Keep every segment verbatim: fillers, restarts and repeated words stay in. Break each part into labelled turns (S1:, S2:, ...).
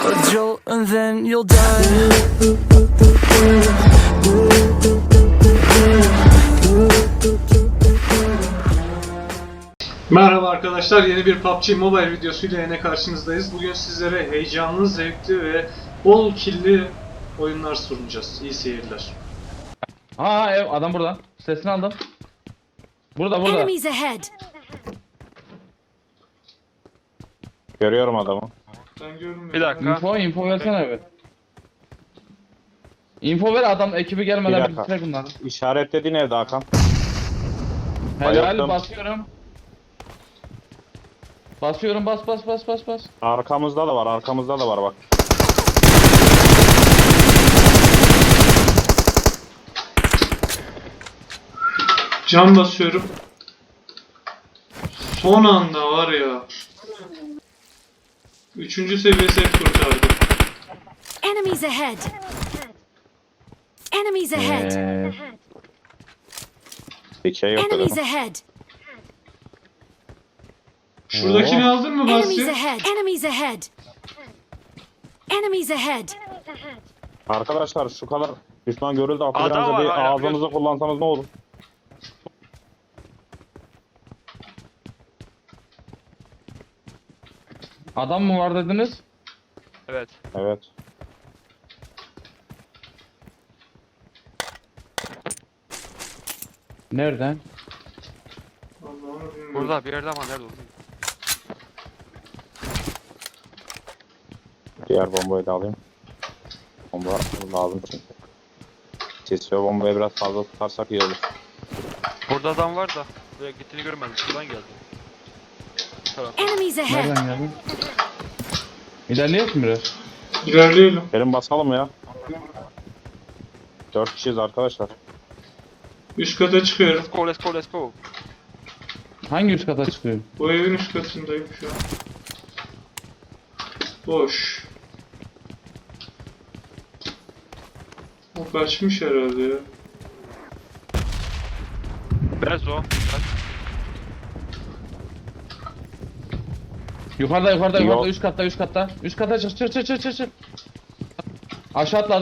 S1: a jolt and then you'll die.
S2: Merhaba arkadaşlar, yeni bir P U B G Mobile videosuyla yine karşınızdayız. Bugün sizlere heyecanlı, zevkli ve bol killi oyunlar sunacağız. İyi seyirler.
S3: Aa ev adam burada. Sesini aldım. Burada burada.
S4: Enemies ahead.
S5: Görüyorum adamı.
S2: Ben görmüyorum.
S6: Bir dakika.
S3: Info info versene bir. Info ver adam ekibi
S5: Bir
S3: gelmeden
S5: dakika.
S3: bitirek bunları.
S5: İşaretlediğin evde Hakan.
S3: Helal
S5: Bayıldım.
S3: basıyorum. Basıyorum bas bas bas bas bas.
S5: Arkamızda da var, arkamızda da var bak.
S2: Cam basıyorum. Son anda var ya. Üçüncü seviyesi hep kurtardı.
S4: Enemies ahead. Enemies ahead.
S3: Ee,
S5: Bir şey yok
S4: Enemies
S5: dedim.
S4: ahead.
S2: Şuradakini aldın mı
S4: Enemies
S2: Basri?
S4: ahead. Enemies ahead. Enemies ahead.
S5: Arkadaşlar şu kadar düşman görüldü.
S6: Adam
S5: Akıllarınızı
S6: var,
S5: bir
S6: hala
S5: ağzınızı kullansanız ne olur?
S3: adam mı var dediniz?
S6: Evet.
S5: Evet.
S3: Nereden?
S2: Allah'ını bilmiyorum.
S6: Burada bir yerde ama nerede oldu?
S5: Diğer bombayı da alayım. Bomba lazım çünkü. Kesiyor bombayı biraz fazla tutarsak iyi olur.
S6: Burada adam var da. Buraya gittiğini görmedim. Şuradan geldi. Taraf.
S4: Enemies ahead.
S3: Nereden geldin? İlerleyelim biraz.
S2: İlerleyelim.
S5: Gelin basalım ya. Dört kişiyiz arkadaşlar.
S2: Üst kata çıkıyorum.
S6: Let's go, let's go, let's go.
S3: Hangi üst kata çıkıyor?
S2: Bu evin üst katındayım şu an. Boş. O kaçmış herhalde ya.
S6: Biraz o. Biraz.
S3: Yukarıda yukarıda
S5: Yok.
S3: yukarıda üst katta üst katta. Üst kata çık çık çık çık çık çık. Aşağı atladı.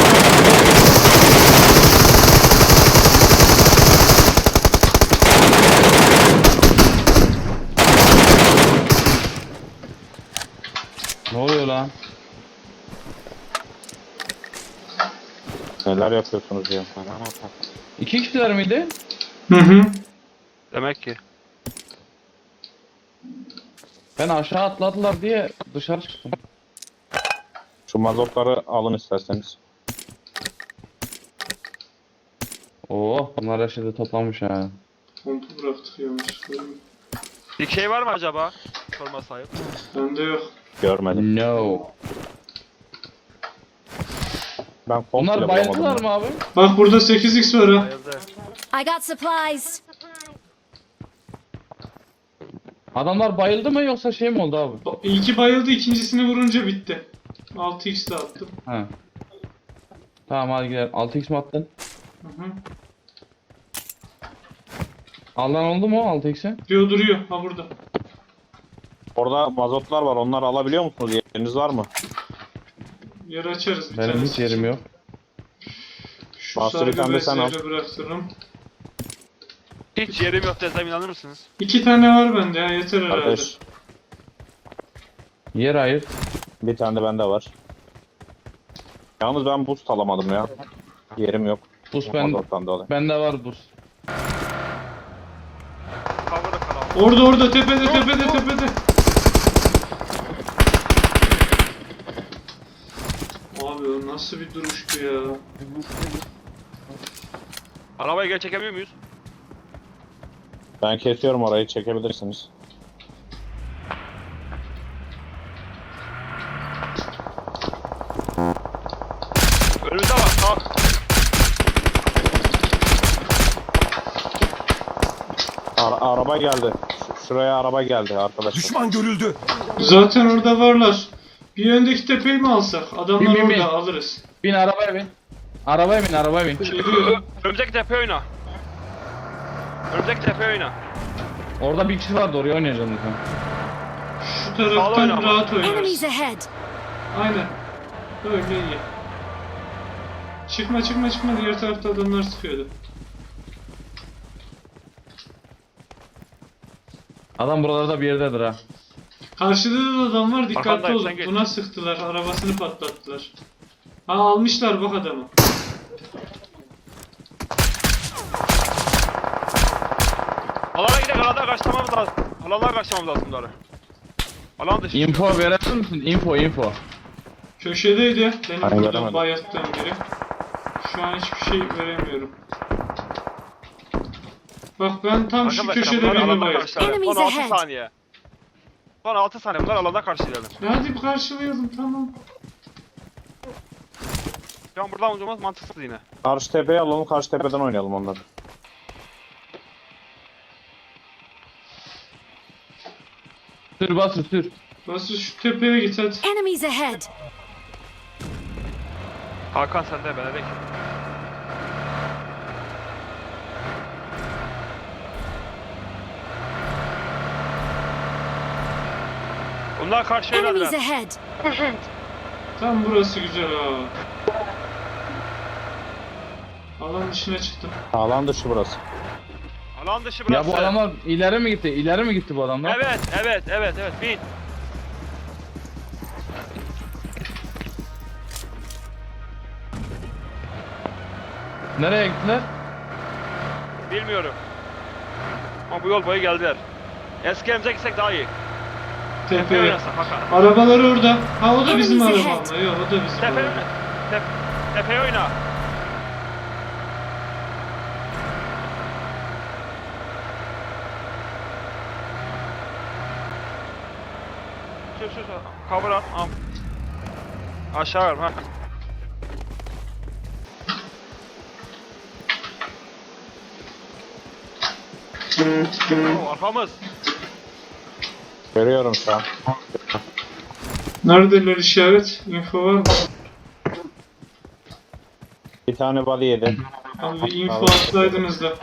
S3: Ne oluyor lan?
S5: Neler yapıyorsunuz ya?
S3: İki kişiler miydi?
S2: Hı hı.
S6: Demek ki.
S3: Ben aşağı atladılar diye dışarı çıktım.
S5: Şu mazotları alın isterseniz.
S3: Oo, bunlar her şeyde toplamış ha.
S2: Pompu bıraktık yanlışlıkla.
S6: Bir şey var mı acaba? Sorma sahip.
S2: Bende yok.
S5: Görmedim.
S3: No.
S5: Ben komple
S3: Bunlar
S5: bulamadım.
S3: bayıldılar
S5: ya.
S3: mı abi?
S2: Bak burada sekiz x var ha.
S6: Bayıldı.
S4: I got supplies.
S3: Adamlar bayıldı mı yoksa şey mi oldu abi?
S2: Ba- İlki bayıldı, ikincisini vurunca bitti. altı x de attım.
S3: Ha. Tamam hadi gidelim. altı x mi attın?
S2: Hı hı.
S3: Alan oldu mu altı x'e?
S2: Diyor duruyor. Ha burada.
S5: Orada mazotlar var. Onları alabiliyor musunuz? Yeriniz var mı?
S2: Yer açarız bir
S3: Benim
S2: tanesi
S3: hiç yerim
S2: için.
S3: yok.
S2: Şu
S5: Bastır,
S2: sargı
S5: bir tane de sen al.
S2: bezleri bıraktırırım.
S6: Hiç yerim yok desem inanır mısınız?
S2: İki tane var bende ya, yeter herhalde.
S5: Arkadaş
S3: Yer ayır.
S5: bir tane de bende var. Yalnız ben boost alamadım ya. Yerim yok.
S3: Buz ben,
S5: Mazottan dolayı.
S3: bende var buz.
S6: Cover'ı kalan.
S2: Orada orada tepede tepede tepede. Abi o nasıl bir duruştu ya.
S6: Arabayı geri çekemiyor muyuz?
S5: Ben kesiyorum orayı, çekebilirsiniz.
S6: Önümüzde var. Tamam.
S5: Ara- araba geldi. Ş- şuraya araba geldi arkadaşlar.
S7: Düşman görüldü.
S2: Zaten orada varlar. Bir öndeki tepeyi mi alsak? Adamlar
S3: Bin, bin,
S2: orada
S3: bin.
S2: alırız.
S3: Bin arabaya bin. Arabaya bin arabaya bin.
S2: Geliyor.
S6: Önümüzdeki tepe oyna. Önümüzdeki tepe oyna.
S3: Orada bir kişi vardı oraya oynayacağım lütfen.
S2: Şu taraftan
S6: oynama.
S2: rahat
S4: Enemies
S2: oynarız.
S4: ahead.
S2: Aynen. Öyle iyi. Çıkma çıkma çıkma, diğer tarafta adamlar sıkıyordu.
S3: Adam buralarda bir yerdedir ha.
S2: Karşıda da adam var, dikkatli
S6: Arkandayım,
S2: olun.
S6: sen geç.
S2: Buna sıktılar, arabasını patlattılar. Ha, almışlar bak adamı.
S6: Alana gidelim, alana kaçmamız lazım. Alana kaçmamız lazım bunları. Alan dışı.
S3: Info verebilir misin? Info info.
S2: Köşedeydi. Benim
S5: Aynen,
S2: buradan
S5: göremedim.
S2: bayattığım biri. Şu an hiçbir şey veremiyorum. Bak ben tam şu
S6: Arkadaşlar
S2: köşede
S6: bunlar
S2: birini
S6: alanda
S2: bayattım.
S6: karşılayalım.
S4: Enemies
S6: Son altı
S4: ahead.
S6: saniye. Son altı saniye bunlar alanda karşılayalım.
S2: Hadi bir karşılayalım, tamam.
S6: Şu an buradan ucumuz mantıksız yine.
S5: Karşı tepeye alalım, karşı tepeden oynayalım onları.
S3: Sür basır sür.
S2: Basri şu tepeye git hadi.
S4: Enemies ahead.
S6: Hakan sende, ben edek. Bunlar karşı
S4: Enemies
S6: yöneldiler.
S4: ahead.
S2: Tam burası güzel ha. Alan dışına çıktım.
S5: Alan dışı burası.
S6: Alan dışı
S3: Ya
S6: burası.
S3: bu adamlar ileri mi gitti? İleri mi gitti bu adamlar?
S6: Evet, evet, evet, evet. Bin.
S3: Nereye gittiler?
S6: Bilmiyorum. Ama bu yol boyu geldiler. Eski emze gitsek daha iyi. Tepe
S2: Tepeye.
S6: oynasak Hakan.
S2: Arabalar orada. Ha, o da bizim
S4: Enemies
S2: araba
S4: ahead.
S2: ama. Yok, o da bizim
S6: Tepe
S2: araba.
S6: oyna. Tep tepeye oyna. Şu şu şu. Cover at. Am. Aşağı ver ha. Oo, arkamız.
S5: Görüyorum şu an.
S2: Neredeler, işaret? Info var mı?
S5: Bir tane bali yedi.
S2: Abi bir info atsaydınız da.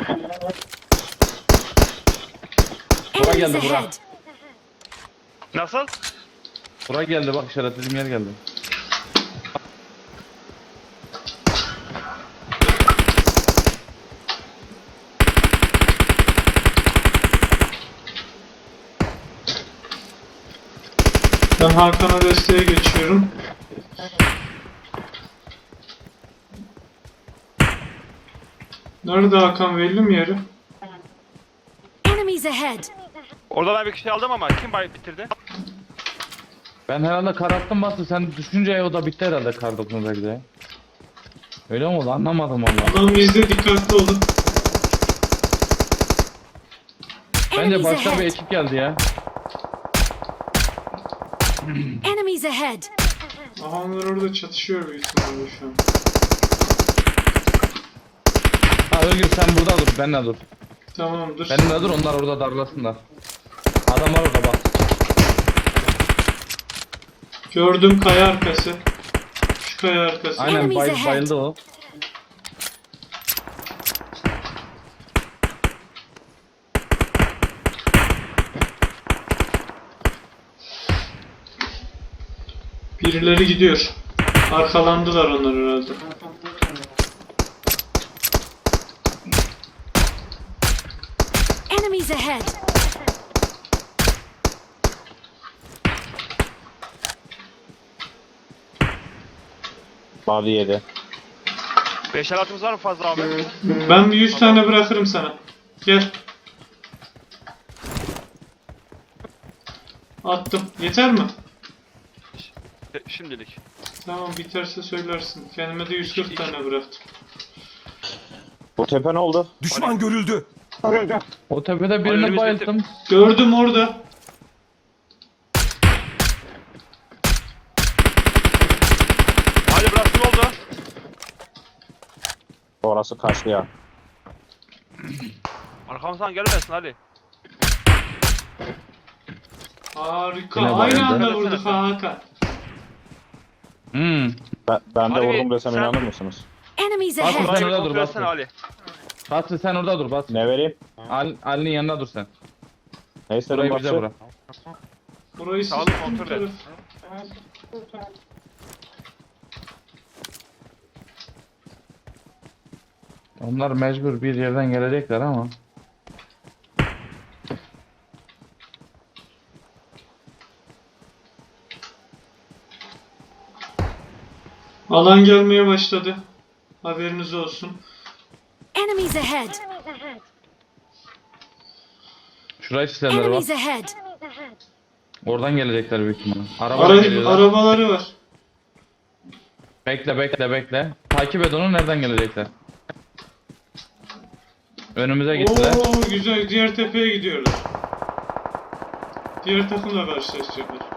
S3: Bura
S4: Enemies
S3: geldi bura.
S4: ahead.
S6: Nasıl?
S3: Bura geldi bak, işaretlediğim yer geldi.
S2: Ben Hakan'a desteğe geçiyorum. Nerede Hakan, belli mi yeri?
S4: Enemies ahead.
S6: Orada ben bir kişi aldım ama kim bay bitirdi?
S3: Ben herhalde kar attım bastı. Sen düşünce o da bitti herhalde kar dokunu belki de. Öyle mi oldu? Anlamadım valla.
S2: Adam bizde, dikkatli olun.
S3: Bence
S4: Enemies
S3: başka bir
S4: ahead.
S3: ekip geldi ya.
S4: Enemies ahead.
S2: Aha, onlar orada çatışıyor büyük ihtimalle şu an.
S3: Ha Özgür sen burada dur, benimle dur.
S2: Tamamdır.
S3: Benimle dur, onlar orada darlasınlar. Adamlar orada bak.
S2: Gördüm, kaya arkası. Şu kaya arkası.
S3: Aynen
S4: Enemies
S3: bay,
S4: ahead.
S3: bayıldı o.
S2: Birileri gidiyor. Arkalandılar onlar herhalde.
S4: Enemies ahead.
S5: Bali yedi.
S6: Beş el atımız var mı fazla abi?
S2: Ben bir yüz tane bırakırım sana. Gel. Attım. Yeter mi?
S6: E, Şimdilik.
S2: Tamam, biterse söylersin. Kendime de yüz kırk tane bıraktım.
S5: Bu tepe ne oldu?
S1: Düşman görüldü.
S3: O tepede
S6: Önümüz
S3: birini
S6: bitti.
S3: bayılttım.
S2: Gördüm orada.
S6: Hadi burası ne oldu?
S5: Orası kaçtı ya.
S6: Arkamızdan gelmesin Ali.
S2: Harika.
S3: Yine
S2: Aynı
S3: bayıldı.
S2: anda vurduk ha, Hakan.
S3: Hmm.
S5: Ben, ben de
S6: Hadi
S5: vurdum
S6: bir-
S5: desem
S6: sen-
S5: inanır mısınız?
S4: Enemies
S3: Bak,
S4: ahead.
S3: sen
S6: Burayı bir
S3: orada dur,
S6: kontrol
S3: bak.
S6: etsene Ali.
S3: Basri sen orada dur Basri.
S5: Ne vereyim?
S3: Ali, Ali'nin yanına dur sen.
S5: Ne istedim
S3: Burayı bize
S5: başı?
S3: bırak.
S2: Burayı
S6: Sağ olun,
S2: sıktım
S6: kontrol et.
S2: taraf.
S3: Onlar mecbur bir yerden gelecekler ama.
S2: Alan gelmeye başladı. Haberiniz olsun.
S4: Enemies ahead.
S3: Şurayı sistemleri bak.
S4: Enemies ahead.
S3: Oradan gelecekler büyük ihtimalle. Arabalar
S2: Ara
S3: geliyorlar.
S2: arabaları var.
S3: Bekle bekle bekle. Takip et onu, nereden gelecekler. Önümüze gittiler.
S2: Oo güzel. Diğer tepeye gidiyorlar. Diğer takımla karşılaşacaklar.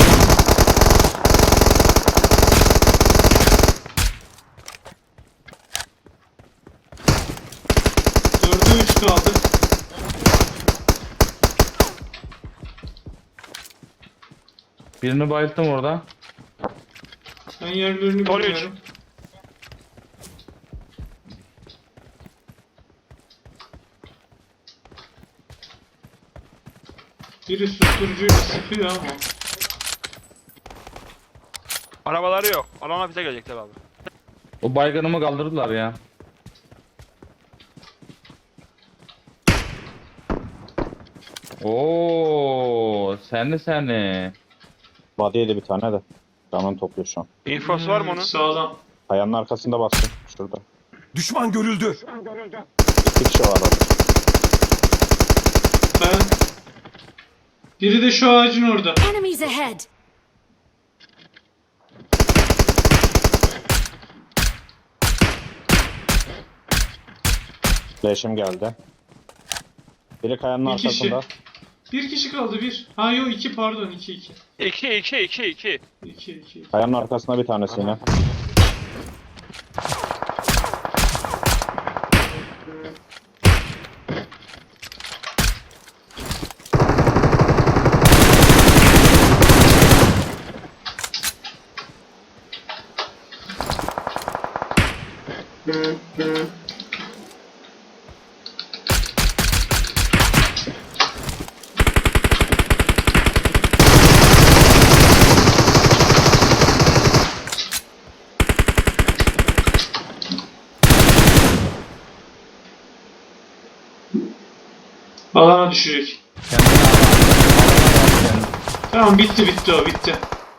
S2: Dörde üç kaldı.
S3: Birini bayılttım orada.
S2: Ben yerlerini
S6: Son üç.
S2: bilmiyorum. Biri susturucuyla sıkıyor ama.
S6: Arabaları yok. Alana bize gelecekler abi.
S3: O baygınımı kaldırdılar ya. Oo, seni seni.
S5: Body'ydi bir tane de. Canını topluyor şu an.
S6: Infosu var mı onun?
S2: Sağlam.
S5: Kayanın arkasında bastım. Şurada.
S7: Düşman görüldü.
S5: İki kişi var orada.
S2: Ben... Biri de şu ağacın orada.
S4: Enemies ahead.
S5: Flash'im geldi. Biri kayanın
S2: Bir kişi.
S5: arkasında.
S2: Bir kişi kaldı bir. Ha yok iki pardon iki iki.
S6: İki, iki, iki, iki.
S2: İki iki.
S5: Kayanın arkasında bir tanesi yine.
S2: Alana düşecek.
S3: Kendini al.
S2: Tamam bitti bitti o bitti.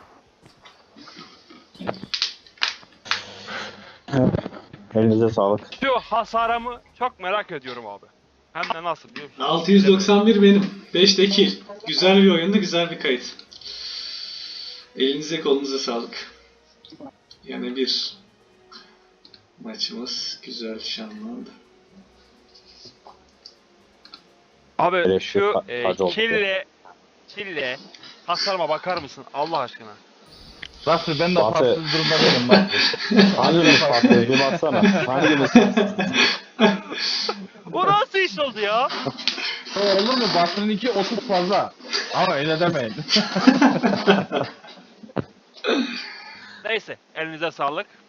S5: Elinize sağlık.
S6: Şu hasarımı çok merak ediyorum abi. Hem de nasıl biliyor musun?
S2: altı yüz doksan bir benim. beş de kill. Güzel bir oyundu, güzel bir kayıt. Elinize kolunuza sağlık. Yani bir maçımız güzel şanlandı.
S6: Abi
S5: Elektrik
S6: şu
S5: ka-
S6: e,
S5: kacı oldu.
S6: kille, kille hasarıma bakar mısın Allah aşkına?
S3: Rasul ben de
S5: Fatih.
S3: farksız durumda değilim bak.
S5: Hangimiz patladı? Bir baksana. Hangimiz?
S6: Bu nasıl iş oldu ya?
S3: Olur mu? Basının iki otuz fazla. Ama öyle demeyin.
S6: Neyse elinize sağlık.